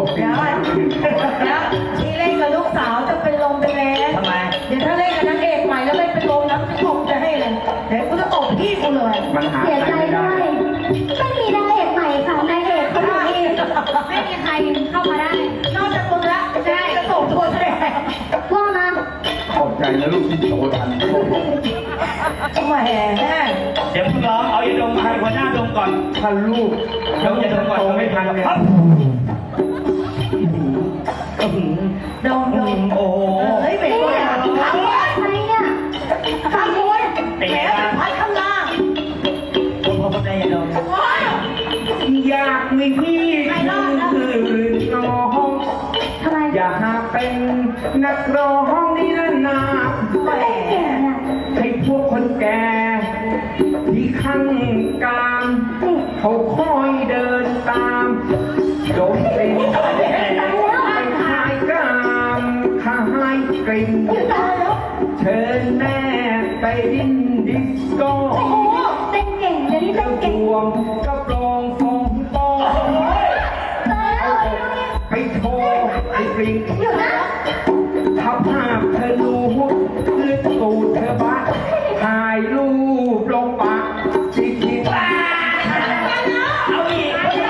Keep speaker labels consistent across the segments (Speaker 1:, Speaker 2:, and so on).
Speaker 1: เดี๋ยวที่เล่นกับลูกสาวจะเป็นลมเป็นแรงทำไมเดี๋ยวถ้าเล่นกับนางเอกใหม่แล้วไม่เป็นลมน้ำจะคงจะให้เลยเดี๋ยวกูจะตบพี่กูเลย
Speaker 2: มันหา
Speaker 3: เสียใจด้วยไม่มีนางเอกใหม่ค่ะนางเอกเขาอยู่นี่ไม่มีใครเข้ามาได้
Speaker 1: นอกจากมึงละใช่จะส่งตัวแสดง
Speaker 3: ว่ามา
Speaker 2: ขอบใจนะลูกที่โตทัน
Speaker 1: แหม
Speaker 4: เดี๋ยวเพิ่งร้องเอาอย่าดมมาให้หัวหน้าดมก่อน
Speaker 2: ถ้าลูก
Speaker 4: เดี๋ยวอย่าดมก่อน
Speaker 2: โตไม่ทันเนี่ย
Speaker 1: โดนโดน
Speaker 4: โอ้โห
Speaker 1: เฮ้ยเป็นตัวอย่าง
Speaker 3: ใครเนี่ย
Speaker 1: ข้างบนแหมพัดข้างล่าง
Speaker 4: ผมพอได้อย่าดม
Speaker 2: อยากมีพี่คือน้อง
Speaker 3: ทำไม
Speaker 2: อยากเป็นนักร้องนี่นา
Speaker 1: แหม
Speaker 3: แก่เนี่ย
Speaker 2: ให้พวกคนแก่ที่ข้างกลาง
Speaker 3: นี่
Speaker 2: เขาคอยเดินตามโดนตีไปขายกามขายกลิ่น
Speaker 3: ตายแล้ว
Speaker 2: เชิญแม่ไปดิ้นดิสโก้
Speaker 3: โอ้โหเต้นเก่งเดี๋ยวนี้เต้นเก่ง
Speaker 2: รวมกับรองฟองปอง
Speaker 3: ตายแล้ว
Speaker 2: ไปโชว์ไอ้กลิ่น
Speaker 3: อยู่นะ
Speaker 2: ถ้าภาพเธอดูลึกตูดเธอบ้าถ่ายรูปลงปะจิกจิก
Speaker 4: เอาอีก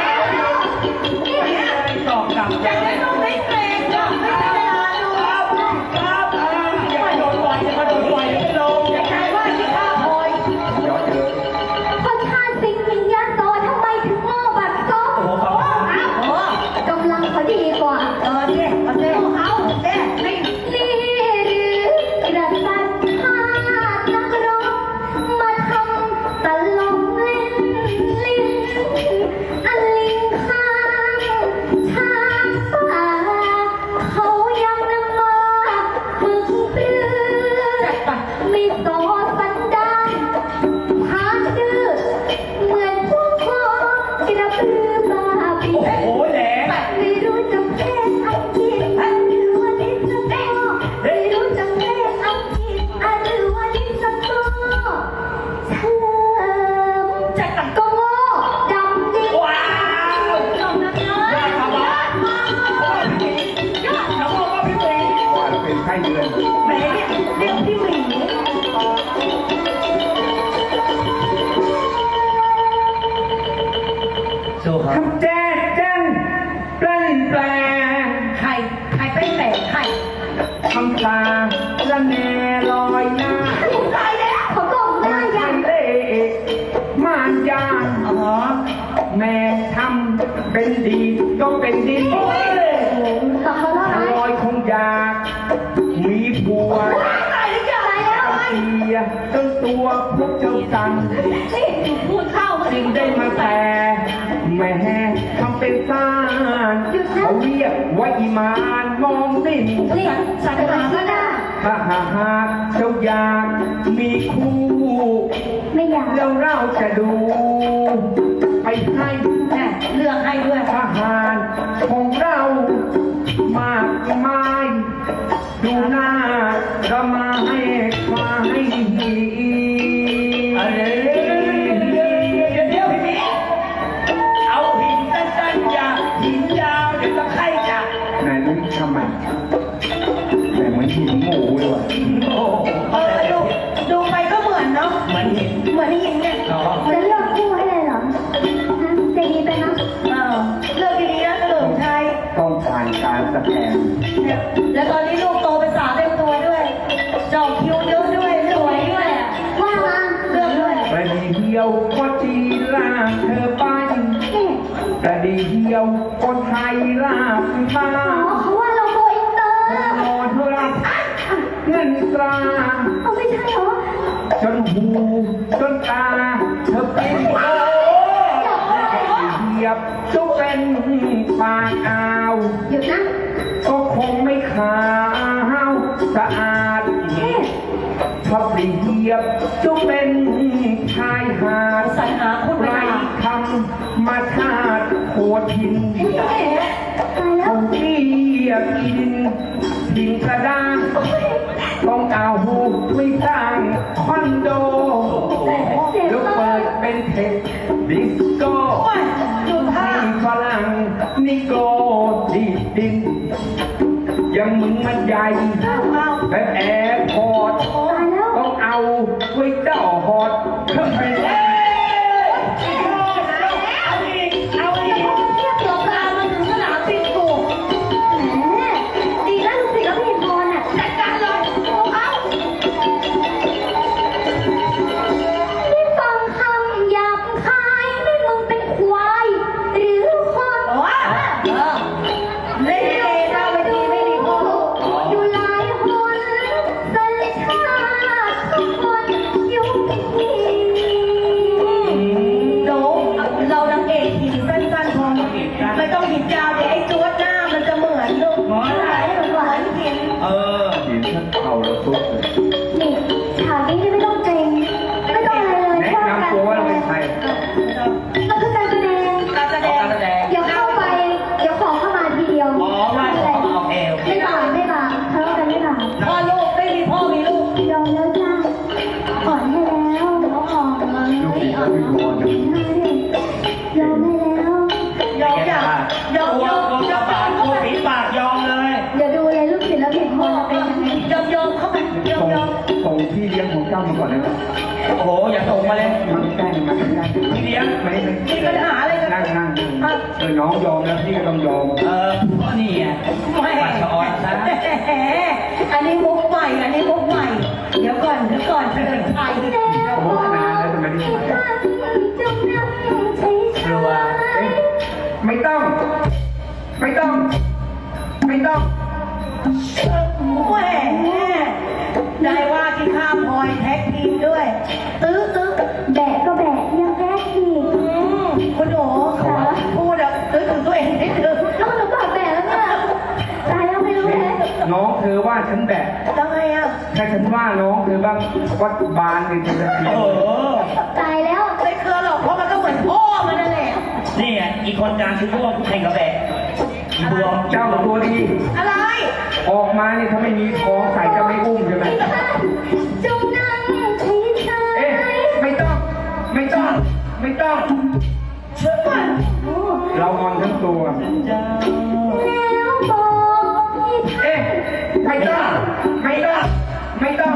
Speaker 4: ตอบกลับ
Speaker 1: จะไม่ต้องไม่เกรงหรอกไม่ธรรมดาดู
Speaker 4: ครับอย่ามาโดนปล่อยอย่ามาโดนปล่อยไม่ลง
Speaker 1: อย่าใช้ว่าที่ข้าคอย
Speaker 2: ย้อนเยอะ
Speaker 3: คนชาติสิงห์หญิงยโสทำไมถึงโง่บัดซบ
Speaker 4: โอ้โห
Speaker 1: โอ้
Speaker 3: กำลังเขาดีกว่า
Speaker 1: เจ๊เอาเจ๊เอาเจ๊ไม่
Speaker 3: นี่หรือกระสันพาดนักร้องมาทำตลกเล่นลิ้นอันลิงข้างทางป่าเขายังนำมาฝึกปรือ
Speaker 1: จัดไป
Speaker 3: ไม่สอสันดานพาดื้อเหมือนพวกพ่อกระพือบ้าปี
Speaker 4: โอ้โหแหลม
Speaker 3: ไม่รู้จักเพลงอังกฤษหรือว่าดิสโก้ไม่รู้จักเพลงอังกฤษหรือว่าดิสโก้เฉลิมจักรก็โง่ดำดิ
Speaker 4: ว้าว
Speaker 3: จบนะเนอะ
Speaker 4: ยอดครับยอดมากยอดน้องบอกว่าพี่ติ๋ง
Speaker 2: ว่าเราเป็นไข้เดือน
Speaker 1: แหมเรียกพี่หมี
Speaker 4: สู้ครับ
Speaker 2: ทำแจ๊ดแจ้นแปลนแปล
Speaker 1: ใครเป็นแต่ใคร
Speaker 2: ทำตาละแนลอยหน้า
Speaker 1: ตายแล้ว
Speaker 3: เขาบอกได้ยัง
Speaker 2: เล่มานยาน
Speaker 1: อ๋อ
Speaker 2: แม่ทำเป็นดีก็เป็นดิน
Speaker 3: ต่อเขาแล้วไหม
Speaker 2: ลอยคงอยากมีผัว
Speaker 1: ตายหรือยังตายแล้ว
Speaker 2: เสียจนตัวพวกเจ้าสั่น
Speaker 1: นี่พูดเข้ามา
Speaker 2: จึงได้มาแต่แม่ทำเป็นซ่านเขาเรียกว่าอีมานมองนิ่ง
Speaker 3: นี่สันหาก็ได้
Speaker 2: ถ้าหากเจ้าอยากมีคู่
Speaker 3: ไม่อยาก
Speaker 2: แล้วเราจะดู ไปให้
Speaker 1: แหมเลือกให้ด้วย
Speaker 2: ทหารของเรามากมาย ดูหน้าเรามาให้ควาย
Speaker 4: เดี๋ยวพี่หมีเอาหินสั้นๆอย่าหินยาวเดี๋ยวตะไคร่จับ
Speaker 2: ไหนนี่ทำไมแต่เหมือนหินหมูเลยว่ะ
Speaker 4: โอ้โห
Speaker 1: ดูไปก็เหมือนเนาะ
Speaker 4: เหมือนหิน
Speaker 1: เหมือนหินเนี่ย
Speaker 4: เนาะ
Speaker 3: จะเลือกคู่ให้เลยเหรอฮะใจดีไปนะ
Speaker 1: เลือกดีๆนะเฉลิมชัย
Speaker 2: ต้องผ่านการสแกน
Speaker 1: เนี่ยแล้วตอนนี้ลูกโตเป็นสาวเต็มตัวด้วยจอกคิ้วเยอะด้วยสวยด้วยอะ
Speaker 3: ว่ามา
Speaker 1: เลือกด้วย
Speaker 2: ประเดียวก็จีลากเธอไป
Speaker 3: นี่
Speaker 2: ประเดียวก็ไทยลากมา
Speaker 3: อ๋อเขาว่าเราโกอินเตอร์
Speaker 2: นอนเธอรับเงินตรา
Speaker 3: เอาไม่ใช่เหรอ
Speaker 2: จนหูจนตาเธอเป็น
Speaker 4: โอ้
Speaker 2: เหยียบจะเป็นปากอ่าว
Speaker 3: หยุดนะ
Speaker 2: ก็คงไม่ขาวสะอาด
Speaker 3: เอ๊ะ
Speaker 2: ชอบเปรียบจะเป็นชายหาด
Speaker 1: สรรหาคุณ
Speaker 2: ไร
Speaker 1: ไปหา
Speaker 2: ทำมาชาติโคทิน
Speaker 3: ตายแล้ว
Speaker 2: เขาเรียกอินดินกระด้างต้องเอาหูไม่สร้างคอนโด
Speaker 3: เจ็บ
Speaker 2: แล้ว
Speaker 3: มา
Speaker 2: เปิ
Speaker 3: ก
Speaker 2: ดเป็นเทคดิสโก้
Speaker 1: โอ้ยดูท่า
Speaker 2: ที่ฝรั่งนิโกดียังมึงมันใหญ่
Speaker 1: เอา
Speaker 2: แบบแอร์พอร์ต
Speaker 3: ตายแล้ว
Speaker 2: ต้องเอาไว้เจ้าฮอตเครื่องไปแล้ว
Speaker 4: เอาอีกเอาอีก
Speaker 3: เทียบ
Speaker 1: ต
Speaker 3: กับ
Speaker 1: กตามมาถึงสนามบินกู
Speaker 3: แหมดีนะลูกศิษย์แล้วพี่พรอ่ะ
Speaker 1: จัดการเลยโอ้เขา
Speaker 3: ได้ฟังคำหยาบคายนี่มึงเป็นควายหรือคน
Speaker 1: โอ้เล่นเองหน้าเวทีไม่มีพ่อลูก
Speaker 3: อยู่หลายคนสัญชาติทุกคนยุคนี้
Speaker 1: โน้เรานางเอกหินสั้นๆพอไม่ต้องหินยาวเดี๋ยวไอ้จวดหน้ามันจะเหมือนลูก
Speaker 4: หมออะไร
Speaker 1: เหมือนหิน
Speaker 4: เออ
Speaker 2: หินท่านเข่าแล้วตุ๊บเลย
Speaker 3: นี่ฉากนี้ไม่ต้องเกรงไม่ต้องอะไรเลย
Speaker 2: แนะนำตัวว่าเราเป็นใคร
Speaker 3: มันคือการแสดง
Speaker 1: การแสดง
Speaker 4: การแสดง
Speaker 3: เดี๋ยวเข้าไป เดี๋ยวขอเข้ามาทีเดียว
Speaker 4: อ๋อไหว้ขอเอาเอว
Speaker 3: ไม่บาปไม่บาปทะเลาะกันไม่บาป
Speaker 1: พ่อลูกไม่มีพ่อมีลูก
Speaker 3: ยอมแล้วจ้าขอให้แล้วน้องออกมา
Speaker 2: ลูกศิษย์ก็ไม่พอจะ
Speaker 3: ยอมให้แล้ว
Speaker 1: ยอมอย่างยอม
Speaker 4: ตัวย
Speaker 1: อม
Speaker 4: ตัวย
Speaker 1: อม
Speaker 4: ปากตัวฝีปากยอมเลย
Speaker 3: เดี๋ยวดูเลยลูกศิษย์แล้วเห็นพอเป็นยังไง
Speaker 1: ยอมเข้าไปยอม
Speaker 2: ส่งพี่เลี้ยงของเจ้ามาก่อนเลยนะ
Speaker 4: โอ้โห อย่าส่งมาเลย
Speaker 2: มันใกล้มาใกล้
Speaker 4: พี่เลี้ยง
Speaker 2: ไม่
Speaker 1: มีปัญหาอะไรกัน
Speaker 2: นั่งน้องยอมแล้วพี่ก็ต้องยอม
Speaker 4: ก็นี่ไง
Speaker 1: ไม่
Speaker 4: ปัสสาวะซะ
Speaker 1: อันนี้มุกใหม่ อันนี้มุกใหม่ เดี๋ยวก่อนเฉลิมชัย
Speaker 2: โอ้นานแล้วทำไมไม่ไป
Speaker 3: จงนำใช้
Speaker 4: กลัว
Speaker 2: ไม่ต้อง ไม่ต้อง ไม่ต้อง
Speaker 1: แหมได้ว่าที่ข้ามพลอยแท็กทีมด้วย ตื้อ
Speaker 3: แบะก็แบะยังแบะอีก
Speaker 1: คุณหนูพูดตื้อถึงตัวเองนิดนึง
Speaker 3: แล้วหนูบอกแบะแล้วเนี่ยตายแล้วไม่รู้เลย
Speaker 2: น้องเธอว่าฉันแบก
Speaker 1: ยังไงอ่ะ
Speaker 2: ถ้าฉันว่าน้องเธอบ้างวัดบานเลยจะเสีย
Speaker 4: โอ้โห
Speaker 3: ตายแล้ว
Speaker 1: ไม่เคยหรอกเพราะมันก็เหมือนพ่อมันนั่นแหละ
Speaker 4: นี่ไงอีกคนกลางคือพวกแข่งกับแบกอีบวม
Speaker 2: เจ้าตัวดี
Speaker 1: อะไร
Speaker 2: ออกมานี่ถ้าไม่มีทองใส่จะไม่อุ้มใช่ไหม
Speaker 3: จงนั่งใช้ใช้
Speaker 2: เอ๊ะไม่ต้อง ไม่ต้อง ไม่ต้อง
Speaker 1: เชื่อมัน
Speaker 3: โอ้
Speaker 2: เรางอนทั้งตัว
Speaker 3: แล้วบอกให้ท่าน
Speaker 2: เอ๊ะไม่ต้อง ไม่ต้อง ไม่ต้อง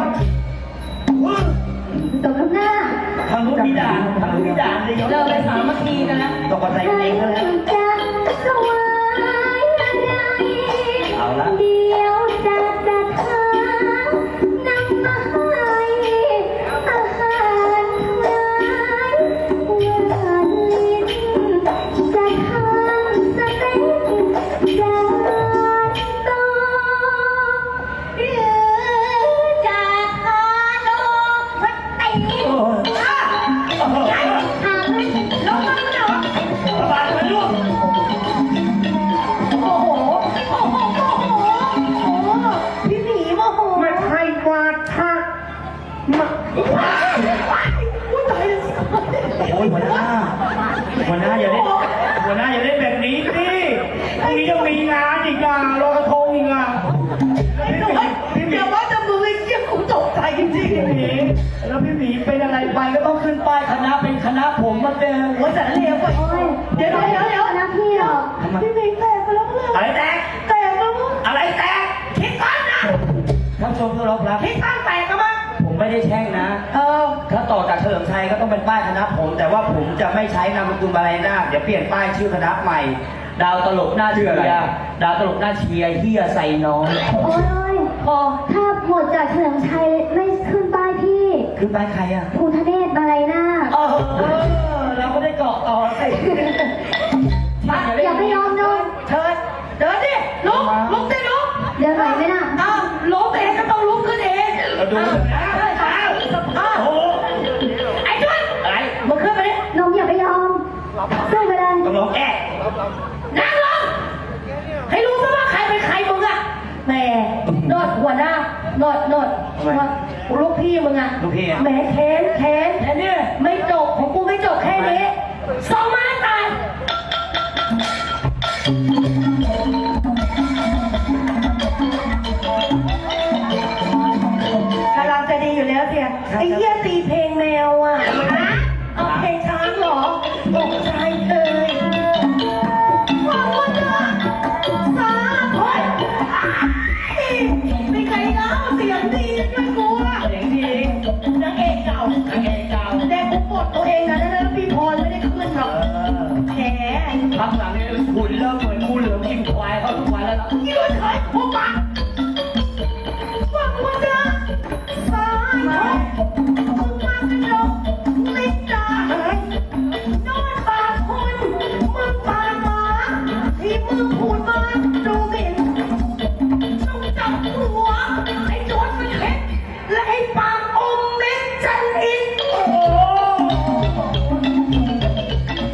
Speaker 3: ตกน้ำหน้า
Speaker 4: ทางนู้นมีด่านทางนู้นมีด่านเลย
Speaker 1: เลิกเลยสามัคคีกันแล้ว
Speaker 4: ตกกระใจเองแล้ว
Speaker 3: จะสวายอะไร
Speaker 4: เอาละ
Speaker 3: เดี๋ยวจะทานำมาให้อาหารหวานหวานลิ้นจะทานสเต็กจานโตหรือจะทานโอวัตติ
Speaker 4: โอ้ย
Speaker 3: ถามเลย
Speaker 1: ลงมาเนาะ
Speaker 4: บาดมันล่วง
Speaker 1: โอ้โหพี่หมีโมโห
Speaker 2: ไม่ใช่วาทะมา
Speaker 1: อุ้ยตายแล้ว
Speaker 4: โอ้ยหัวหน้าอย่าเล่นหัวหน้าอย่าเล่นแบบนี้สิพรุ่งนี้ยังมีงานอีกอ่ะลอยกระทงอีกอ่ะ
Speaker 1: เดี๋ยวว่าจะมือเยี่ยมกูตกใจจริง
Speaker 4: พี่หมีแล้วพี่หมีเป็นอะไรไปก็ต้องขึ้นป้ายคณะเป็นคณะผมมาเจอ
Speaker 1: ๆว่าจะเลวไป
Speaker 3: โอ้ย
Speaker 1: เดี๋ยว
Speaker 3: นะพี่หรอก
Speaker 1: พี่หมีแตกไปแล้วเพื่อน
Speaker 4: อะไรแตก
Speaker 1: แตกแล้วมั้ง
Speaker 4: อะไรแตก
Speaker 1: คิดก่อนนะ
Speaker 4: ท่านผู้ชมที่เคารพครับ
Speaker 1: คิดก่อนแตกกันมั้ง
Speaker 4: ผมไม่ได้แช่งนะ ถ้าต่อจากเฉลิมชัยก็ต้องเป็นป้ายคณะผม แต่ว่าผมจะไม่ใช้นามสกุลอะไรหน้าเดี๋ยวเปลี่ยนป้ายชื่อคณะใหม่ ดาวตลกหน้าเชียร์ดาวตลกหน้าเชียร์เฮียใส่น้อง
Speaker 3: โอ้ย
Speaker 1: พอ
Speaker 3: ถ้าหมดจากเฉลิมชัยไม่ขึ้นป้ายพี่
Speaker 4: คือป้ายใครอ่ะ
Speaker 3: ภูทะเนศมาลัยนาค
Speaker 4: เราก็ได้เกาะต่อสิ
Speaker 3: อย่าไปยอมเลย
Speaker 1: เชิญเดินดิลุกดิลุก
Speaker 3: เดินไหวไหมน่ะ
Speaker 1: อ้าวลุกเองก็ต้องลุกขึ้นเอง
Speaker 4: เราดูนะ
Speaker 1: อ้าว
Speaker 4: โอ้โห
Speaker 1: ไอ้จุ๊ด
Speaker 4: อะไร
Speaker 1: มึงขึ้นไปดิ
Speaker 3: น้องอย่าไปยอมสู้ไปเลย
Speaker 4: ต้องร้องแอะ
Speaker 1: นั่งลงให้รู้ซะว่าใครเป็นใครมึงอะแหมโนดหัวหน้าโนดลูกพี่มึงอะ
Speaker 4: ลูกพี่อ่ะ
Speaker 1: แหมแค้น
Speaker 4: แค่นี้
Speaker 1: ไม่จบของกูไม่จบแค่นี้สองไม้ตายกำลังจะดีอยู่แล้วเสียไอ้เหี้ยตีเพลงแมวอ่ะเอาเพลงช้างเหรอตกใจเลยขอบคุณนะสาธุเฉยๆพวกมันฟังมาจ้ะสายทองมึงมันหลงลิ้นด่าเฮ้ยนอนปากคนมึงปากหมาที่มึงพูดมาดูหมิ่นต้องจับหัวไอ้โจรมันเห็นและไอ้ปากอมเม็ดจันอิน